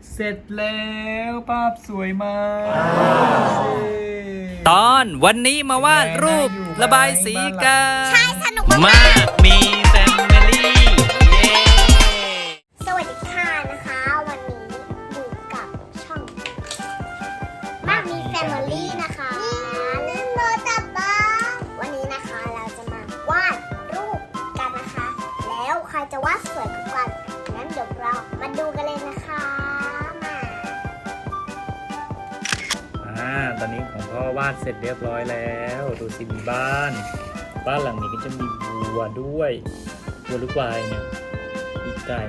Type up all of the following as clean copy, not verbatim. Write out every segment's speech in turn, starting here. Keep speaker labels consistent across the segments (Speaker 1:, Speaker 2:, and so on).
Speaker 1: เสร็จแล้วภาพสวยมาก
Speaker 2: ตอนวันนี้มาวาดรูประบายสีกัน
Speaker 3: ใช่สนุก
Speaker 2: มากมีแฟมิลี่เย้
Speaker 3: สวัสดีค่ะนะคะ วันนี้อยู่กับช่องมากมีแฟมิลี่นะคะเล่นโรตับบ้างวันนี้นะคะเราจะมาวาดรูปกันนะคะ แล้วใครจะวาดสวยกว่ากันงั้นเดี๋ยวเรามาดูกันเลยนะคะมา
Speaker 1: ตอนนี้ของพ่อวาดเสร็จเรียบร้อยแล้วดูสิมีบ้านหลังนี้ก็จะมีวัวด้วยวัวหรือควายเนี่ยมีไก่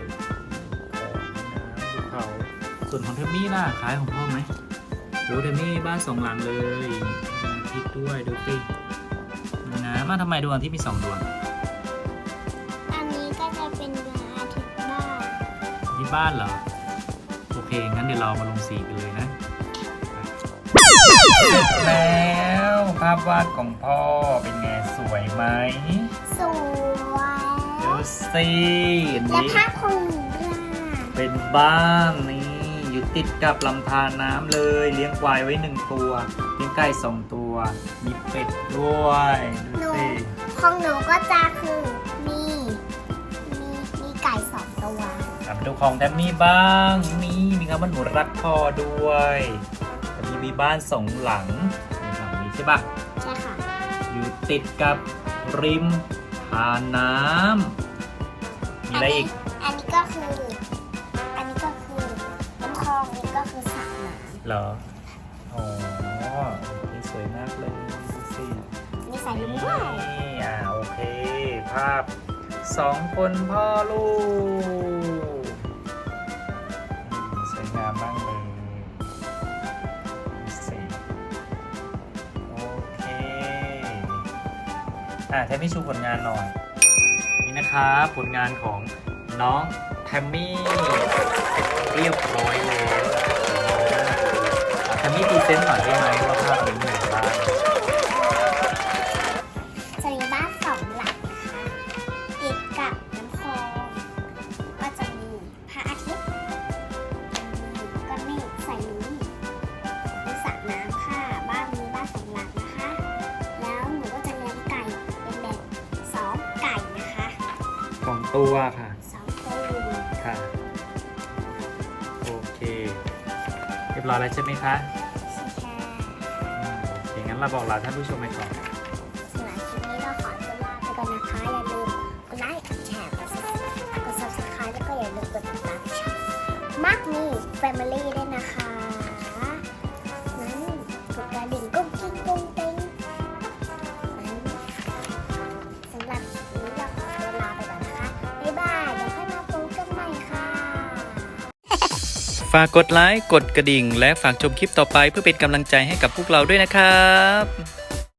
Speaker 1: ของน้ำภูเขาส่วนของเทมมี่น่ะคล้ายของพ่อไหมดูเทมมี่บ้านสองหลังเลยมีอาทิตย์ด้วยดูสิมีน้ำทำไมดวงอาทิตย์มี2 ดวง
Speaker 3: อันนี้ก็จะเป็นดวงอาทิตย์บ้าง
Speaker 1: ที่บ้านเหรอโอเคงั้นเดี๋ยวเรามาลงสีกันเลยนะเสร็จแล้วภาพวาดของพ่อเป็นไงสวยไหม
Speaker 3: สวย
Speaker 1: ดูสิอัน
Speaker 3: และ
Speaker 1: นี้
Speaker 3: ภาพของหนูล่ะ
Speaker 1: เป็นบ้านนี่อยู่ติดกับลำธารน้ำเลยเลี้ยงควายไว้1 ตัวเลี้ยงไก่2 ตัวมีเป็ดด้วยดู
Speaker 3: หนู
Speaker 1: สิ
Speaker 3: ของหนูก็จะคือมีไก่2 ตัว
Speaker 1: มาดูของแทมมี่บ้างนี่มีคำว่าหนูรักพ่อด้วยแต่มีบ้าน2 หลังหลังนี้ใช่ปะ
Speaker 3: ใช่ค่ะ
Speaker 1: อยู่ติดกับริมทานน้ำมีอะไรอีก
Speaker 3: อันนี้ก็คือน้ำคลองนี่ก็คือสระน้
Speaker 1: เหรออ๋อนี่สวยมากเลยดูสิ
Speaker 3: ำมีสายลุงด้วย
Speaker 1: นี่โอเค ภาพ2 คนพ่อลูกสวยงามมากเลยดูสิโอเคแทมมี่ชูผลงานหน่อย นี่นะครับผลงานของน้องแทมมี่เรียบร้อยแล้วแทมมี่พรีเซนต์หน่อยได้ไหมว่าภาพนี้มีอะไรบ้าง
Speaker 3: จะมีบ้าน2 หลังนะคะติดกับน้ำคลองก็จะมีพระอาทิตย์มีก้อนเมฆใส่ลุงมีสระน้ำค่ะบ้านมีบ้าน2 หลังนะคะ แล้วหนูก็จะเลี้ยงไก่เป็นแบบ2 ไก่นะคะ
Speaker 1: ของตัวค่ะ
Speaker 3: 2 ตัว
Speaker 1: ค่ะ โอเค เรียบร้อยแล้วใช่ไหมคะ
Speaker 3: ใช่ค่ะ
Speaker 1: โอเค งั้นเราบอกลาท่านผู้ชมไปก่อน
Speaker 3: สำหรับคลิปนี้เราขอตัวลาไปก่อนนะคะ อย่าลืมกดไลค์ กดแชร์ กด subscribe แล้วก็อย่าลืมกดติดตามช่องมากมี Family ด้วยนะคะนั้นกดกระดิ่งกุ้งกิ้งกุ้งเต้งนั้นสำหรับคลิปนี้เราขอตัวลาไปก่อนนะคะ บ๊ายบาย เดี๋ยวค่อยมาพบกันใหม่ค่ะ
Speaker 2: ฝากกดไลค์กดกระดิ่งและฝากชมคลิปต่อไปเพื่อเป็นกำลังใจให้กับพวกเราด้วยนะครับ